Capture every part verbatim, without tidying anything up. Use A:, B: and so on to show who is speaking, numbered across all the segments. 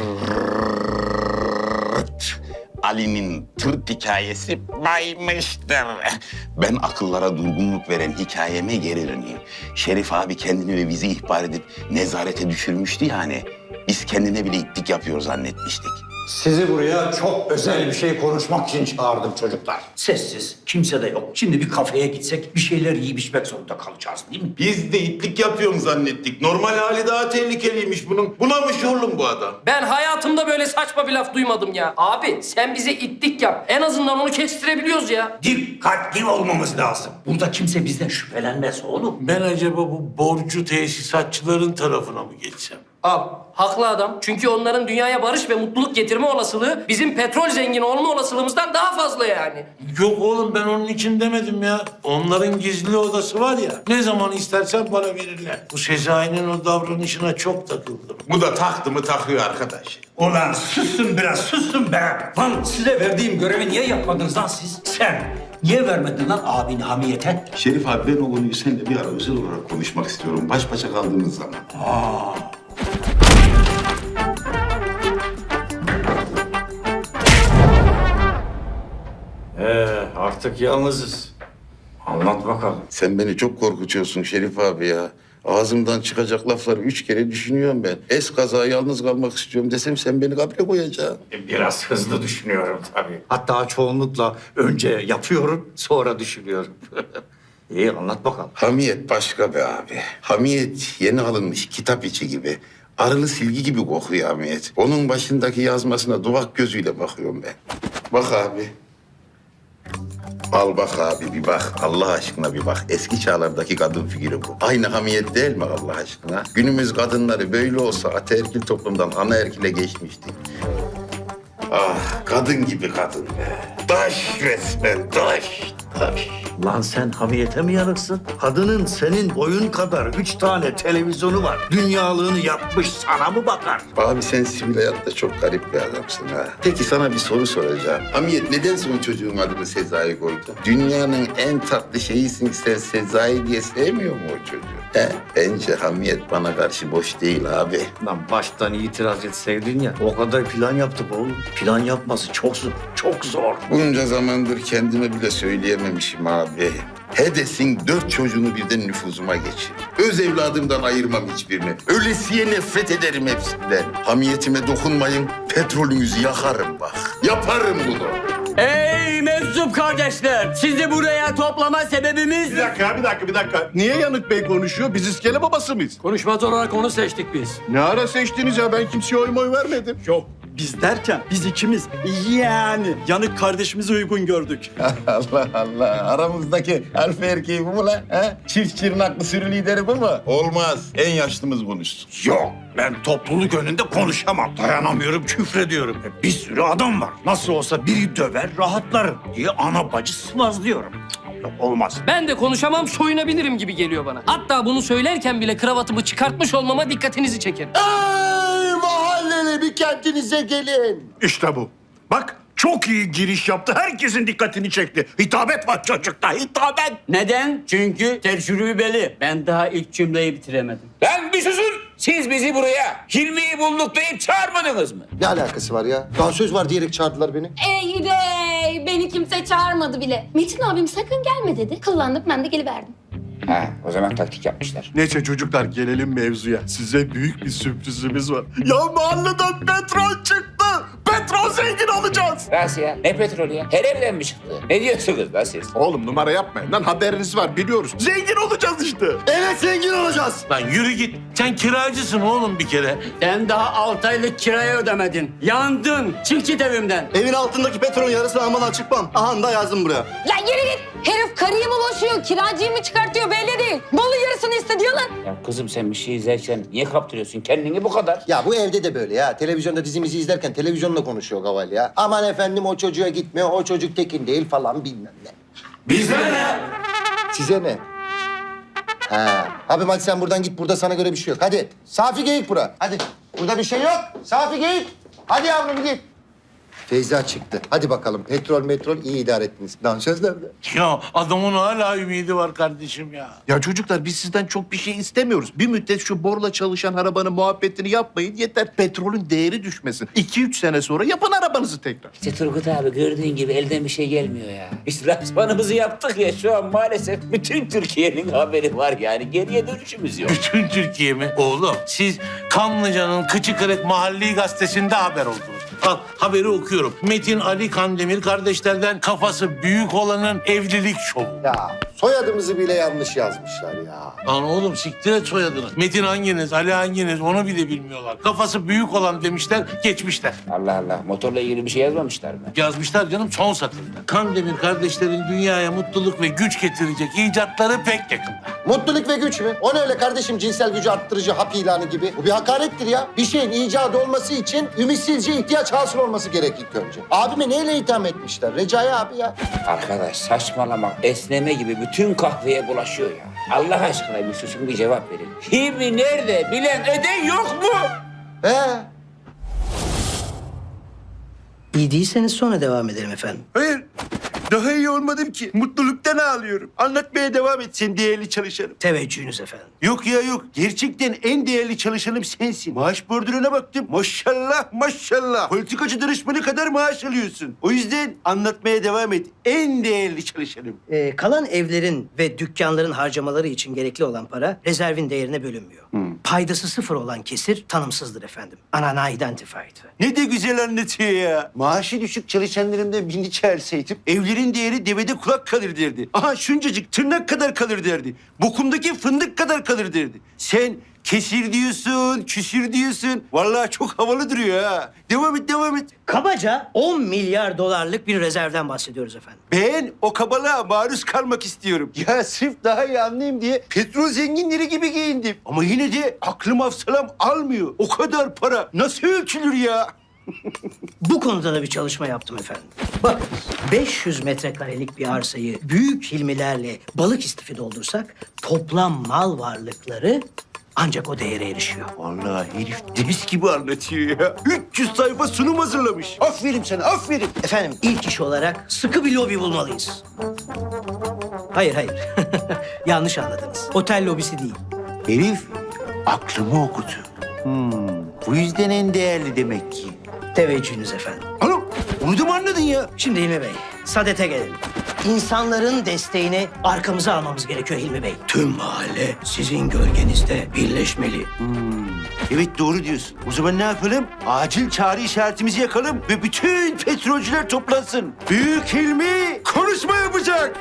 A: Tırt. Ali'nin tırt hikayesi baymıştır. Ben akıllara durgunluk veren hikayeme geri döneyim. Şerif abi kendini ve bizi ihbar edip nezarete düşürmüştü yani. Biz kendine bile itlik yapıyor zannetmiştik.
B: Sizi buraya çok özel bir şey konuşmak için çağırdım çocuklar. Sessiz, kimse de yok. Şimdi bir kafeye gitsek bir şeyler yiyip içmek zorunda kalacağız değil mi?
C: Biz de itlik yapıyorum zannettik. Normal hali daha tehlikeliymiş bunun. Bunamış oğlum bu adam.
D: Ben hayatımda böyle saçma bir laf duymadım ya. Abi sen bize itlik yap. En azından onu kestirebiliyoruz ya.
B: Dikkatli olmamız lazım. Burada kimse bizden şüphelenmez oğlum.
C: Ben acaba bu borcu tesisatçıların tarafına mı geçsem?
D: Abi haklı adam. Çünkü onların dünyaya barış ve mutluluk getirme olasılığı bizim petrol zengini olma olasılığımızdan daha fazla yani.
C: Yok oğlum ben onun için demedim ya. Onların gizli odası var ya. Ne zaman istersen bana verirler. Bu Sezai'nin o davranışına çok takıldım. Bu da taktı mı takıyor arkadaş.
B: Ulan susun biraz, susun be. Lan size verdiğim görevi niye yapmadınız lan siz? Sen niye vermedin lan abini hamiyete?
A: Şerif abi ben o konuyu seninle bir ara özel olarak konuşmak istiyorum. Baş başa kaldığımız zaman.
B: Ee, artık yalnızız. Anlat bakalım.
A: Sen beni çok korkutuyorsun Şerif abi ya. Ağzımdan çıkacak lafları üç kere düşünüyorum ben. Es kaza yalnız kalmak istiyorum desem sen beni kabre koyacaksın.
B: Biraz hızlı düşünüyorum tabii. Hatta çoğunlukla önce yapıyorum, sonra düşünüyorum. İyi, anlat bakalım.
A: Hamiyet başka be abi. Hamiyet yeni alınmış kitap içi gibi. Arılı silgi gibi kokuyor Hamiyet. Onun başındaki yazmasına duvak gözüyle bakıyorum ben. Bak abi. Al bak abi bir bak. Allah aşkına bir bak. Eski çağlardaki kadın figürü bu. Aynı Hamiyet değil mi Allah aşkına? Günümüz kadınları böyle olsa ataerkil toplumdan anaerkile geçmiştik. Ah kadın gibi kadın be. Taş resmen taş. Taş.
E: Lan sen hamiyete mi yanıksın? Kadının senin boyun kadar üç tane televizyonu var. Dünyalığını yapmış, sana mı bakar?
A: Abi sen sivil hayatta çok garip bir adamsın ha. Peki sana bir soru soracağım. Hamiyet neden son çocuğun adını Sezai koydu? Dünyanın en tatlı şeyisin sen Sezai diye sevmiyor mu o çocuğu? He, bence Hamiyet bana karşı boş değil abi.
E: Lan baştan itiraz etseydin ya. O kadar plan yaptık oğlum. Plan yapması çok zor, çok zor.
A: Bunca zamandır kendime bile söyleyememişim abi. Hedes'in dört çocuğunu birden nüfuzuma geçir. Öz evladımdan ayırmam hiçbirini. Ölesiye nefret ederim hepsinden. Hamiyetime dokunmayın, petrolünüzü yakarım bak. Yaparım bunu.
F: Ey meczup kardeşler! Sizi buraya toplama sebebimiz...
G: Bir dakika, bir dakika, bir dakika. Niye Yanık Bey konuşuyor? Biz iskele babası mıyız?
F: Konuşmaz olarak onu seçtik biz.
G: Ne ara seçtiniz ya? Ben kimseye oy moy vermedim.
H: Yok biz derken biz ikimiz yani Yanık kardeşimizi uygun gördük.
A: Allah Allah. Aramızdaki alfa erkeği bu mu lan? He? Çift çırnaklı sürü lideri bu mu? Olmaz. En yaşlımız konuşsun.
B: Yok, ben topluluk önünde konuşamam. Dayanamıyorum, küfrediyorum. E, Bir sürü adam var. Nasıl olsa biri döver, rahatlarım diye ana bacı sıvazlıyorum. Cık, Yok, olmaz.
D: Ben de konuşamam, soyunabilirim gibi geliyor bana. Hatta bunu söylerken bile kravatımı çıkartmış olmama dikkatinizi çekerim.
E: Ey mahalleli bir kendinize gelin.
B: İşte bu. Bak, çok iyi giriş yaptı. Herkesin dikkatini çekti. Hitabet var çocukta, hitabet.
F: Neden? Çünkü tecrübeli. Ben daha ilk cümleyi bitiremedim.
I: Lan bir susun! Siz bizi buraya Hilmi'yi bulduk deyip çağırmadınız mı?
E: Ne alakası var ya? Daha söz var diyerek çağırdılar beni.
J: Ey dey! Beni kimse çağırmadı bile. Metin abim sakın gelme dedi. Kıllandık, ben de geliverdim.
I: Ha, o zaman taktik yapmışlar.
G: Neyse çocuklar gelelim mevzuya. Size büyük bir sürprizimiz var. Ya mahalleden petrol çıktı. Petrol zengin olacağız.
I: Nasıl ya? Ne petrolü ya? Her evden mi çıktı? Ne diyorsunuz lan siz?
G: Oğlum numara yapmayın lan, haberiniz var biliyoruz. Zengin olacağız işte.
E: Evet zengin olacağız.
C: Lan yürü git. Sen kiracısın oğlum bir kere.
F: Sen daha altı aylık kirayı ödemedin. Yandın. Çık git evimden.
E: Evin altındaki petrolün yarısını almadan çıkmam. Aha da yazdım buraya.
J: Ya yürü git! Herif karıyı mı boşuyor, kiracıyı mı çıkartıyor belli değil. Malı yarısını istediyor lan.
I: Ya kızım sen bir şey izlerken niye kaptırıyorsun kendini bu kadar?
E: Ya bu evde de böyle ya. Televizyonda dizimizi izlerken televizyonla konuşuyor Gaval ya. Aman efendim o çocuğa gitmiyor, o çocuk tekin değil falan bilmem ne.
B: Bize ne?
E: Size ne? Ha. Abim hadi sen buradan git. Burada sana göre bir şey yok. Hadi. Safi geyik bura. Hadi. Burada bir şey yok. Safi geyik. Hadi yavrum git.
K: Feyza çıktı. Hadi bakalım petrol metrol iyi idare ettiniz. Dansöz nerede?
C: Ya adamın hala ümidi var kardeşim ya.
G: Ya çocuklar biz sizden çok bir şey istemiyoruz. Bir müddet şu borla çalışan arabanın muhabbetini yapmayın. Yeter petrolün değeri düşmesin. İki üç sene sonra yapın arabanızı tekrar.
I: İşte Turgut abi gördüğün gibi elden bir şey gelmiyor ya. Biz lansmanımızı yaptık ya şu an maalesef bütün Türkiye'nin haberi var yani. Geriye dönüşümüz yok.
C: Bütün Türkiye mi? Oğlum siz Kanlıca'nın Kıçı Kırık Mahalli Gazetesi'nde haber oldunuz. Al haberi okuyorum. Metin Ali Kandemir kardeşlerden kafası büyük olanın evlilik şovu.
K: Ya soyadımızı bile yanlış yazmışlar ya.
C: Lan oğlum siktir et soyadını. Metin hanginiz, Ali hanginiz onu bile bilmiyorlar. Kafası büyük olan demişler, geçmişler.
I: Allah Allah motorla ilgili bir şey yazmamışlar mı?
C: Yazmışlar canım son satırda. Kandemir kardeşlerin dünyaya mutluluk ve güç getirecek icatları pek yakında.
K: Mutluluk ve güç mü? O ne öyle kardeşim cinsel gücü arttırıcı hap ilanı gibi? Bu bir hakarettir ya. Bir şeyin icadı olması için ümitsizce ihtiyaç hasıl olması gerek ilk önce. Abime neyle itham etmişler? Recai abi ya.
I: Arkadaş saçmalama esneme gibi bütün kahveye bulaşıyor ya. Allah aşkına bir susun bir cevap verin. Kimi nerede bilen eden yok mu?
K: He.
L: İyi değilseniz sonra devam edelim efendim.
G: Hayır. Daha iyi olmadım ki. Mutluluktan ağlıyorum. Anlatmaya devam et sen değerli çalışanım.
L: Teveccühünüz efendim.
G: Yok ya yok. Gerçekten en değerli çalışanım sensin. Maaş bordürüne baktım. Maşallah maşallah. Politikacı danışmanı kadar maaş alıyorsun. O yüzden anlatmaya devam et. En değerli çalışanım.
L: Ee, kalan evlerin ve dükkanların harcamaları için gerekli olan para rezervin değerine bölünmüyor. Paydası sıfır olan kesir tanımsızdır efendim. Unidentified.
G: Ne de güzel anlatıyor ya. Maaşı düşük çalışanlarımdan birini çağırsaydım evlerin değeri devede kulak kalır derdi. Aha şuncacık tırnak kadar kalır derdi. Bokumdaki fındık kadar kalır derdi. Sen kesir diyorsun, küsür diyorsun. Vallahi çok havalı duruyor ha. Devam et, devam et.
L: Kabaca on milyar dolarlık bir rezervden bahsediyoruz efendim.
G: Ben o kabalığa maruz kalmak istiyorum. Ya sırf daha iyi anlayayım diye petrol zenginleri gibi giyindim. Ama yine de aklım hafsalam almıyor. O kadar para nasıl ölçülür ya?
L: Bu konuda da bir çalışma yaptım efendim. Bakın beş yüz metrekarelik bir arsayı büyük hilmilerle balık istifi doldursak toplam mal varlıkları ancak o değere erişiyor.
G: Vallahi herif deniz gibi anlatıyor ya. üç yüz sayfa sunum hazırlamış. Aferin sana, aferin.
L: Efendim ilk iş olarak sıkı bir lobi bulmalıyız. Hayır hayır. Yanlış anladınız. Otel lobisi değil.
G: Herif aklımı okudu. Hmm, bu yüzden en değerli demek ki.
L: Teveccühünüz efendim.
G: Hanım, onu da mı anladın ya?
L: Şimdi Hilmi Bey, Sadet'e gelelim. İnsanların desteğini arkamıza almamız gerekiyor Hilmi Bey. Tüm mahalle sizin gölgenizde birleşmeli.
G: Evet doğru diyorsun. O zaman ne yapalım? Acil çağrı işaretimizi yakalım ve bütün petrolcüler toplansın. Büyük Hilmi konuşma yapacak.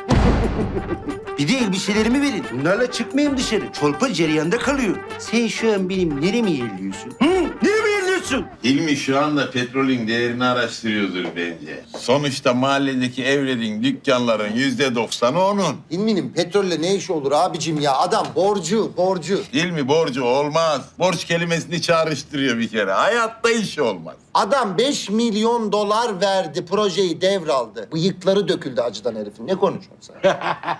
G: Bir de elbiselerimi verin. Bunlarla çıkmayayım dışarı. Çolpa cereyanda kalıyor. Sen şu an benim neremi yerliyorsun? Hı? Neremi yerliyorsun?
A: Hilmi şu anda petrolün değerini araştırıyordur bence. Sonuçta mahalledeki evlerin, dükkanların yüzde doksanı onun.
K: İlminin petrolle ne işi olur abicim ya? Adam borcu, borcu.
A: Hilmi borcu olmaz. Borç kelimesini çağrıştırıyor bir kere. Hayatta iş olmaz.
K: Adam beş milyon dolar verdi, projeyi devraldı. Bıyıkları döküldü acıdan herifin. Ne konuşuyorsun sen?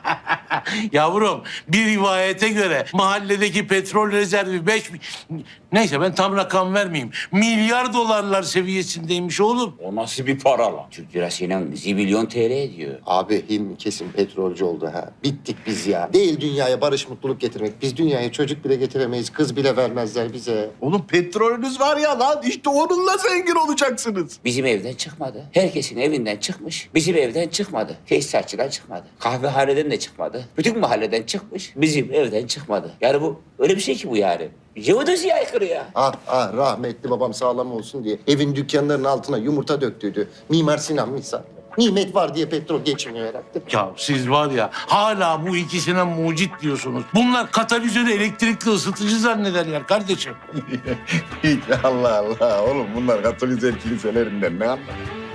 C: Yavrum bir rivayete göre mahalledeki petrol rezervi beş... Neyse ben tam rakam vermeyeyim. Milyar dolarlar seviyesindeymiş oğlum.
I: O nasıl bir para lan? Türk lirasıyla zibilyon T L ediyor.
K: Abi Hilmi kesin petrolcü oldu ha. Bittik biz ya. Değil dünyaya barış mutluluk getirmek. Biz dünyaya çocuk bile getiremeyiz. Kız bile vermezler bize.
G: Oğlum petrolünüz var ya lan. İşte onunla zengin olacaksınız.
I: Bizim evden çıkmadı. Herkesin evinden çıkmış. Bizim evden çıkmadı. Tesisatçıdan çıkmadı. Kahvehaneden de çıkmadı. Bütün mahalleden çıkmış. Bizim evden çıkmadı. Yani bu öyle bir şey ki bu yani. Jeodesiye aykırı ya.
K: Ah ah rahmetli babam sağlam olsun diye evin dükkanlarının altına yumurta döktüydü. Mimar Sinan misal. Nimet var diye petrol geçmiyor herhalde.
C: Ya siz var ya hala bu ikisine mucit diyorsunuz. Bunlar katalizörü elektrikli ısıtıcı zannederler kardeşim.
A: Hiç Allah Allah. Oğlum bunlar Katolik kiliselerinden ne anlar?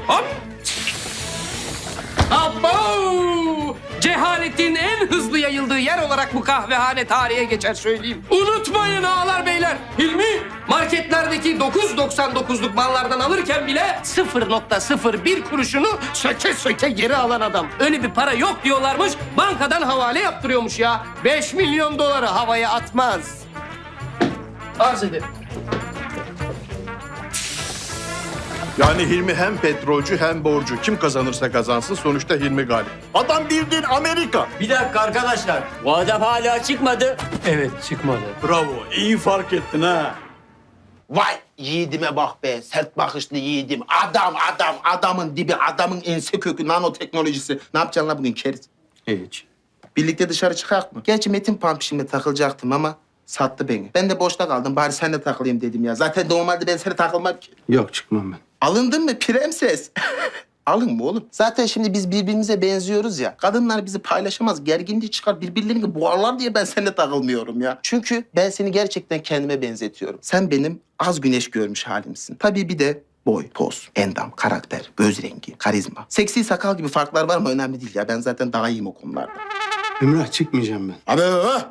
D: Abo! Cehaletin en hızlı yayıldığı yer olarak bu kahvehane tarihe geçer söyleyeyim. Unutmayın ağalar beyler. Hilmi marketlerdeki dokuz doksan dokuzluk mallardan alırken bile sıfır nokta sıfır bir kuruşunu söke söke geri alan adam. Öyle bir para yok diyorlarmış. Bankadan havale yaptırıyormuş ya. Beş milyon doları havaya atmaz. Arz ederim.
M: Yani Hilmi hem petrolcü hem borcu. Kim kazanırsa kazansın sonuçta Hilmi galip. Adam bildiğin Amerika.
F: Bir dakika arkadaşlar. Bu adam hala çıkmadı.
D: Evet çıkmadı.
H: Bravo, iyi fark ettin ha.
G: Vay yiğidime bak be. Sert bakışlı yiğidim. Adam, adam, adamın dibi, adamın ense kökü, nanoteknolojisi. Ne yapacaksın lan bugün keriz?
H: Hiç.
G: Birlikte dışarı çıkak mı? Gerçi Metin Pampişim'le takılacaktım ama sattı beni. Ben de boşta kaldım. Bari senle takılayım dedim ya. Zaten normalde ben seninle takılmam ki.
H: Yok çıkmam ben.
G: Alındın mı prenses? Alın mı oğlum? Zaten şimdi biz birbirimize benziyoruz ya. Kadınlar bizi paylaşamaz, gerginliği çıkar, birbirlerini boğarlar diye ben seninle takılmıyorum ya. Çünkü ben seni gerçekten kendime benzetiyorum. Sen benim az güneş görmüş halimsin. Tabii bir de boy, poz, endam, karakter, göz rengi, karizma. Seksi sakal gibi farklar var mı önemli değil ya. Ben zaten daha iyiyim o konularda.
H: Emrah çıkmayacağım ben.
G: Abi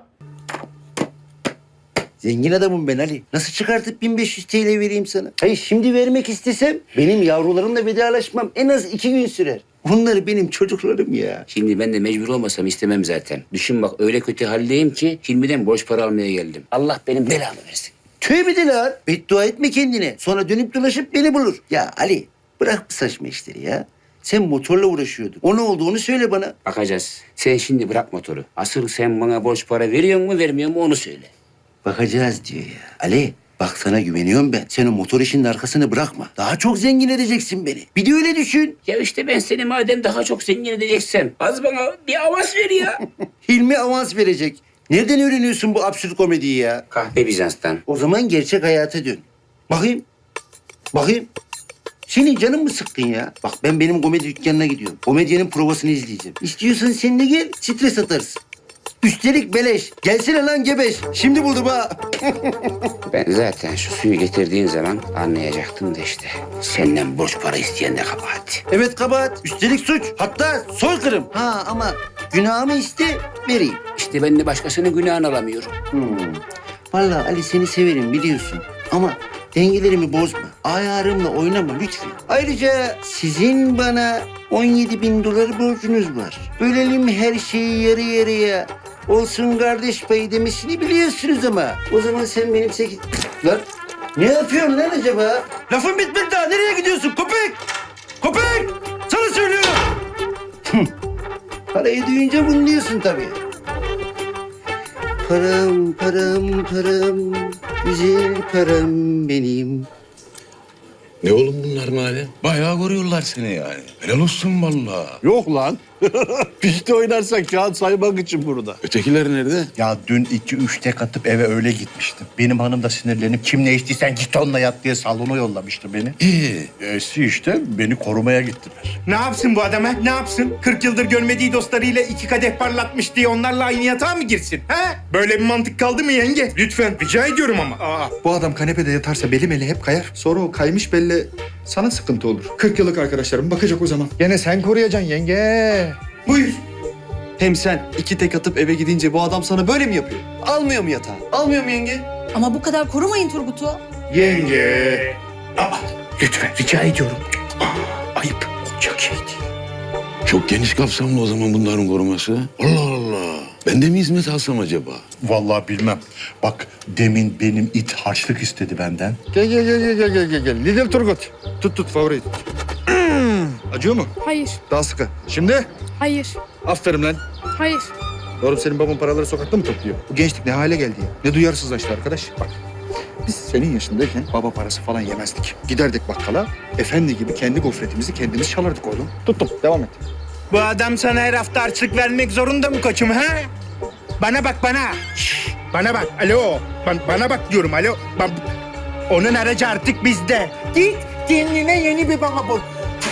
G: zengin adamım ben Ali. Nasıl çıkartıp bin beş yüz TL vereyim sana? Hayır şimdi vermek istesem benim yavrularımla vedalaşmam en az iki gün sürer. Onlar benim çocuklarım ya.
I: Şimdi ben de mecbur olmasam istemem zaten. Düşün bak öyle kötü haldeyim ki Hilmi'den borç para almaya geldim. Allah benim belamı versin.
G: Tövbe de lan. Beddua etme kendine. Sonra dönüp dolaşıp beni bulur. Ya Ali bırak bu saçma işleri ya. Sen motorla uğraşıyordun. O ne oldu onu söyle bana.
I: Bakacağız. Sen şimdi bırak motoru. Asıl sen bana borç para veriyor mu vermiyor mu onu söyle.
G: Bakacağız diyor ya. Ali bak sana güveniyorum ben. Sen o motor işinin arkasını bırakma. Daha çok zengin edeceksin beni. Bir de öyle düşün.
I: Ya işte ben seni madem daha çok zengin edeceksem az bana bir avans ver ya.
G: Hilmi avans verecek. Nereden öğreniyorsun bu absürt komediyi ya?
I: Kahve Bizans'tan.
G: O zaman gerçek hayata dön. Bakayım. Bakayım. Senin canın mı sıkkın ya? Bak ben benim komedi dükkanına gidiyorum. Komedyenin provasını izleyeceğim. İstiyorsan sen de gel, stres atarsın. Üstelik beleş. Gelsene lan gebeş. Şimdi buldum ha.
I: Ben zaten şu suyu getirdiğin zaman anlayacaktım da işte. Senden borç para isteyen de kabahat.
G: Evet kabahat. Üstelik suç. Hatta soykırım. Ha ama günahımı iste vereyim.
I: İşte ben de başkasının günahını alamıyorum.
G: Hmm. Vallahi Ali seni severim biliyorsun. Ama dengelerimi bozma. Ayarımla oynama lütfen. Ayrıca sizin bana on yedi bin dolar borcunuz var. Bölelim her şeyi yarı yarıya. Olsun kardeş payı demesini biliyorsunuz ama. O zaman sen benim sekiz... Lan ne yapıyorsun lan acaba? Lafın bitmedi daha. Nereye gidiyorsun köpek? Köpek! Sana söylüyorum. Parayı duyunca bunu diyorsun tabii. Param, param, param, güzel param benim.
N: Ne oğlum bunlar madem? Bayağı koruyorlar seni yani. Helal olsun vallahi.
M: Yok lan. Pişti oynarsak kağıt saymak için burada.
N: Ötekiler nerede?
E: Ya dün iki üç tek atıp eve öyle gitmiştim. Benim hanım da sinirlenip kim ne içtiysen git onunla yat diye salona yollamıştı beni.
N: İyi.
E: Esi işte beni korumaya gittiler.
O: Ne yapsın bu adam ha? Ne yapsın? kırk yıldır görmediği dostlarıyla iki kadeh parlatmış diye onlarla aynı yatağa mı girsin? Ha? Böyle bir mantık kaldı mı yenge? Lütfen rica ediyorum ama. Aa.
P: Bu adam kanepede yatarsa belim eli hep kayar. Sonra o kaymış belle sana sıkıntı olur. kırk yıllık arkadaşlarım bakacak o zaman. Gene sen koruyacaksın yenge.
O: Buyur.
H: Hem sen iki tek atıp eve gidince bu adam sana böyle mi yapıyor? Almıyor mu yatağı? Almıyor mu yenge?
Q: Ama bu kadar korumayın Turgut'u.
P: Yenge.
O: Aa, lütfen rica ediyorum. Aa, ayıp. Olacak şey değil.
N: Çok geniş kapsamlı o zaman bunların koruması. Allah Allah. Ben de mi hizmet alsam acaba?
E: Vallahi bilmem. Bak demin benim it harçlık istedi benden.
P: Gel gel gel gel gel gel gel. Lidl Turgut. Tut tut favori. Acıyor mu?
Q: Hayır,
P: Daha sıkı. Şimdi?
Q: hayır,
P: Aferin lan.
Q: hayır.
P: Oğlum senin baban paraları sokakta mı topluyor? Bu gençlik ne hale geldi ya? Ne duyarsızlaştı arkadaş. Bak biz senin yaşındayken baba parası falan yemezdik. Giderdik bakkala, efendi gibi kendi gofretimizi kendimiz çalardık oğlum. Tuttum, devam et.
O: Bu adam sana her hafta harçlık vermek zorunda mı koçum ha? Bana bak bana. Şş, bana bak. Alo. Ben, bana bak diyorum alo. Ben, onun aracı artık bizde. Git kendine yeni bir baba bul.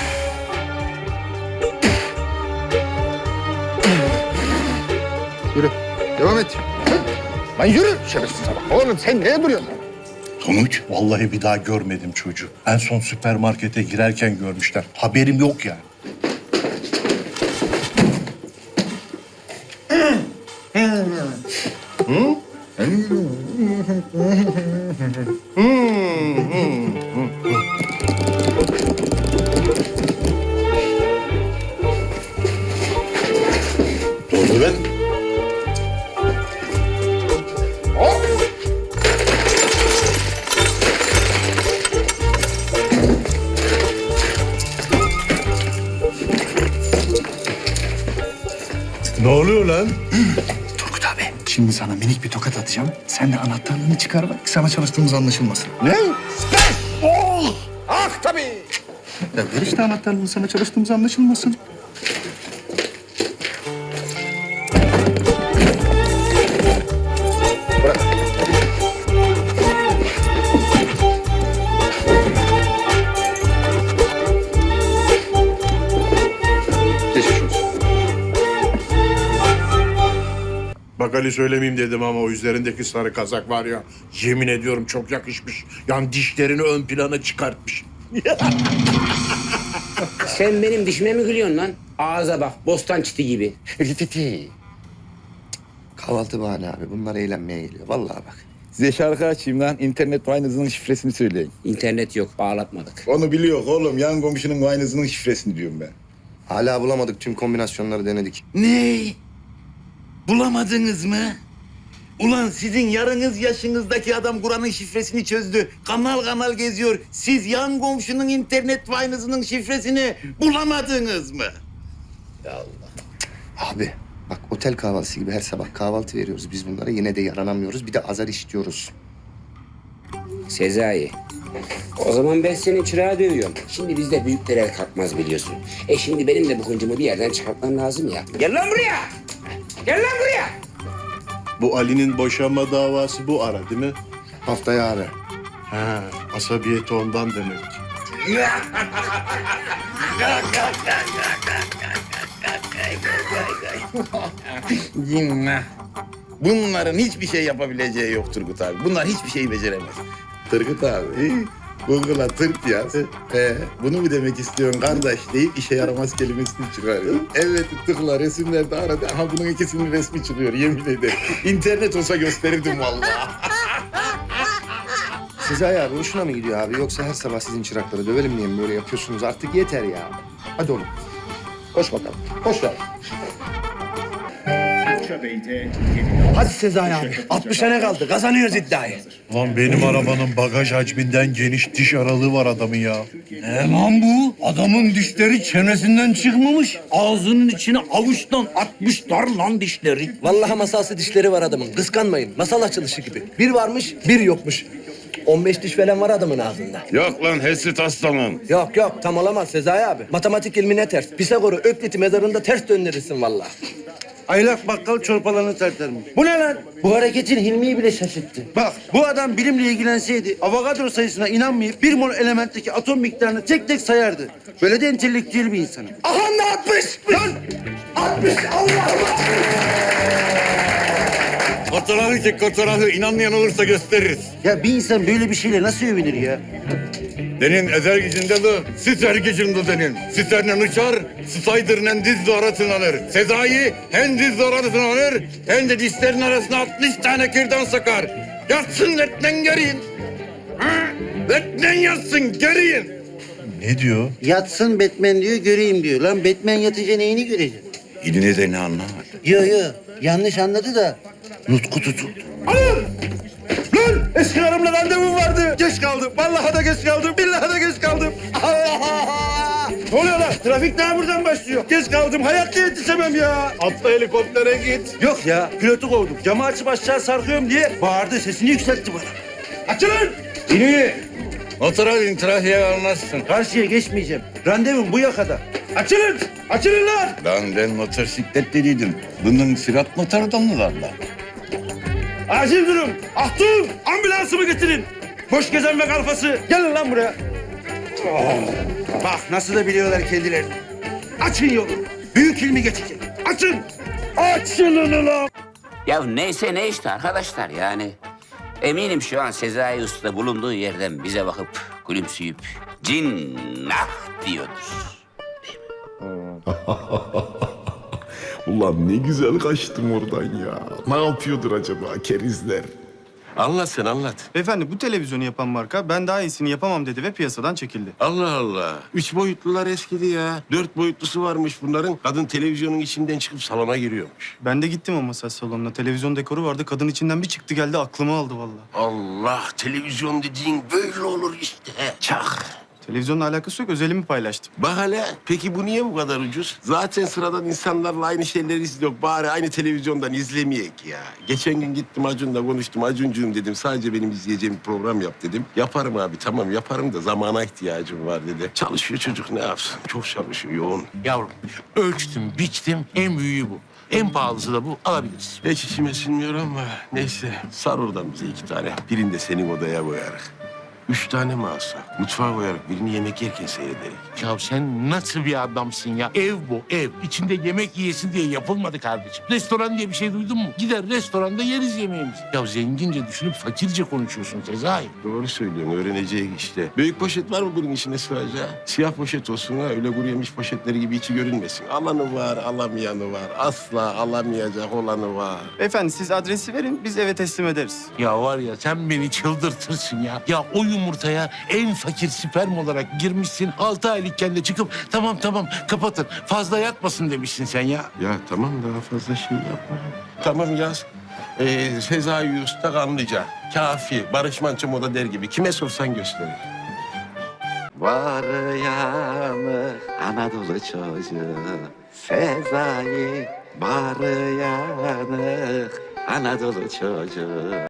P: Yürü, devam et. Lan yürü şerefsiz adam. Oğlum sen neye duruyorsun?
N: Sonuç?
E: Vallahi bir daha görmedim çocuğu. En son süpermarkete girerken görmüşler. Haberim yok yani.
N: Ne oldu lan?
M: Ne oluyor lan?
P: Turgut abi, şimdi sana minik bir tokat atacağım. Sen de anahtarlığını çıkar bak, sana çalıştığımız anlaşılmasın.
M: Ne?
P: Oh! Ah tabii! Ya ver işte anahtarlığını, sana çalıştığımız anlaşılmasın.
M: Bak Ali söylemeyeyim dedim ama o üzerindeki sarı kazak var ya, yemin ediyorum çok yakışmış. Yani dişlerini ön plana çıkartmış.
I: Sen benim dişime mi gülüyorsun lan? Ağza bak, bostan çiti gibi.
K: Kahvaltı bahane abi. Bunlar eğlenmeye geliyor. Vallahi bak.
A: Size şarkı açayım lan. İnternet Wine'ınızın şifresini söyleyin.
I: İnternet yok, bağlatmadık.
A: Onu biliyor oğlum. Yan komşunun Wine'ınızın şifresini diyorum ben.
K: Hala bulamadık. Tüm kombinasyonları denedik.
N: Ne? Bulamadınız mı? Ulan sizin yarınız yaşınızdaki adam Kur'an'ın şifresini çözdü. Kanal kanal geziyor. Siz yan komşunun internet Wine'ınızın şifresini bulamadınız mı?
K: Abi bak, otel kahvaltısı gibi her sabah kahvaltı veriyoruz biz bunlara. Yine de yaranamıyoruz. Bir de azar işliyoruz.
I: Sezai, o zaman ben senin çırağı dövüyorum. Şimdi bizde büyükler el kalkmaz biliyorsun. E şimdi benim de bu hıncımı bir yerden çıkartmam lazım ya. Gel lan buraya! Gel lan buraya!
M: Bu Ali'nin boşanma davası bu ara değil mi?
K: Haftaya abi.
M: Ha, asabiyeti ondan demek.
A: Cinnah. Bunların hiçbir şey yapabileceği yok Turgut abi. Bunlar hiçbir şeyi beceremez. Turgut abi, Google'a tırt yaz. Ee, bunu mu demek istiyorsun kardeş deyip işe yaramaz kelimesini çıkarıyor. Evet tıkla, resimlerde aradı. Aha bunun ikisinin resmi çıkıyor, yemin ederim. İnternet olsa gösterirdim vallahi.
K: Sezai abi hoşuna mı gidiyor abi? Yoksa her sabah sizin çırakları dövelim diye mi böyle yapıyorsunuz? Artık yeter ya. Hadi oğlum. Koş bakalım. Koş ver.
O: Hadi Sezai abi. altmış tane kaldı. Kazanıyoruz iddiayı.
M: Lan benim arabanın bagaj hacminden geniş diş aralığı var adamın ya.
B: Ne lan bu? Adamın dişleri çenesinden çıkmamış. Ağzının içine avuçtan atmışlar lan dişleri.
H: Vallahi masalsı dişleri var adamın. Kıskanmayın. Masal açılışı gibi. Bir varmış, bir yokmuş. on beş diş falan var adamın ağzında.
N: Yok lan Hesrit aslanım.
H: Yok yok, tam olamaz Sezai abi. Matematik ilmine ters. Pisagor'u Öklit'i mezarında ters döndürürsün vallahi.
O: Aylak bakkal çorbalarını tartarmış. Bu ne lan? Bu hareketin Hilmi'yi bile şaşırttı. Bak bu adam bilimle ilgilenseydi Avogadro sayısına inanmayıp bir mol elementteki atom miktarını tek tek sayardı. Böyle de entelektüel bir insanım.
H: Aha ne atmış?
O: Lan!
H: Atmış Allah Allah!
N: Fotoğrafı çek fotoğrafı. İnanmayan olursa gösteririz.
O: Ya bir insan böyle bir şeyle nasıl övünür ya?
N: Denin ezer gücünde de, siser gücünde denin. Siserle uçar, sısaydırnen diz arasına alır. Sezai hem diz arasına alır, hem de dişlerin arasına altmış tane kürdan sakar. Yatsın letnen geriyin. Ha? Letnen yatsın geriyin.
M: Ne diyor?
O: Yatsın Batman diyor, göreyim diyor. Lan Batman yatınca neyini göreceksin?
N: İline de ne anlamadı.
O: Yo yo, yanlış anladı da nutku tutuldu. Alın! Lan eski karımla randevum vardı. Geç kaldım. Vallahi da geç kaldım. Billahi da geç kaldım. Allah Allah! Ne oluyor lan? Trafik daha buradan başlıyor. Geç kaldım. Hayatta yetişemem ya.
M: Atla helikoptere git.
O: Yok ya, pilotu kovdum. Camı açıp aşağı sarkıyorum diye bağırdı. Sesini yükseltti bana. Açılın! İniyi.
N: Oturalım trafiğe almazsın.
O: Karşıya geçmeyeceğim. Randevum bu yakada. Açılın! Açılın lan!
N: Lan ben motosikletleriydim. Bunun sürat motoru da mı var lan?
O: Acil durum. Ahtun! Ambulansımı getirin. Boş gezen ve kalfası. Gelin lan buraya. Oh. Bak nasıl da biliyorlar kendilerini. Açın yolu. Büyük ilmi geçecek. Açın. Açılın ulan.
I: Ya neyse ne işte arkadaşlar yani. Eminim şu an Sezai Usta bulunduğu yerden bize bakıp gülümseyip cinnah diyordur.
A: Ulan ne güzel kaçtım oradan ya. Ne yapıyordur acaba kerizler?
M: Anlat sen anlat.
H: Beyefendi bu televizyonu yapan marka ben daha iyisini yapamam dedi ve piyasadan çekildi.
M: Allah Allah. Üç boyutlular eskidi ya. Dört boyutlusu varmış bunların. Kadın televizyonun içinden çıkıp salona giriyormuş.
H: Ben de gittim o masaj salonuna. Televizyon dekoru vardı. Kadın içinden bir çıktı geldi aklımı aldı vallahi.
M: Allah, televizyon dediğin böyle olur işte. Çak.
P: Televizyonla alakası yok, özelimi paylaştım.
R: Bak hele, peki bu niye bu kadar ucuz? Zaten sıradan insanlarla aynı şeyleri izliyor. Bari aynı televizyondan izlemeyek ya. Geçen gün gittim Acun'la konuştum. Acuncuğum dedim, sadece benim izleyeceğim bir program yap dedim. Yaparım abi, tamam yaparım da zamana ihtiyacım var dedi. Çalışıyor çocuk, ne yapsın? Çok çalışıyor, yoğun.
C: Yavrum ölçtüm, biçtim. En büyüğü bu. En pahalısı da bu. Alabiliriz.
R: Hiç içime sinmiyor ama neyse. Sar oradan bize iki tane. Birini de senin odaya koyarız. Üç tane mi alsak? Mutfağa koyarak birini yemek yerken seyrederek.
C: Ya sen nasıl bir adamsın ya? Ev bu, ev. İçinde yemek yiyesin diye yapılmadı kardeşim. Restoran diye bir şey duydun mu? Gider restoranda yeriz yemeğimizi. Ya zengince düşünüp fakirce konuşuyorsun Sezai.
R: Doğru söylüyorsun, öğreneceğiz işte. Büyük poşet var mı bunun içine sığacağı? Siyah poşet olsun ha, öyle kuru yemiş poşetleri gibi içi görünmesin. Alanı var, alamayanı var. Asla alamayacak olanı var.
P: Beyefendi siz adresi verin, biz eve teslim ederiz.
C: Ya var ya sen beni çıldırtırsın ya. Ya o yumurtaya en fakir sperm olarak girmişsin. Altı aylıkken de çıkıp tamam tamam kapatın. Fazla yatmasın demişsin sen ya.
R: Ya tamam, daha fazla şey yapma. Tamam yaz. Ee, Sezai Usta Kanlıca. Kafi. Barış Manço moda der gibi. Kime sorsan gösterir.
A: Var yanı Anadolu çocuğu Sezai. Var yanı Anadolu çocuğu.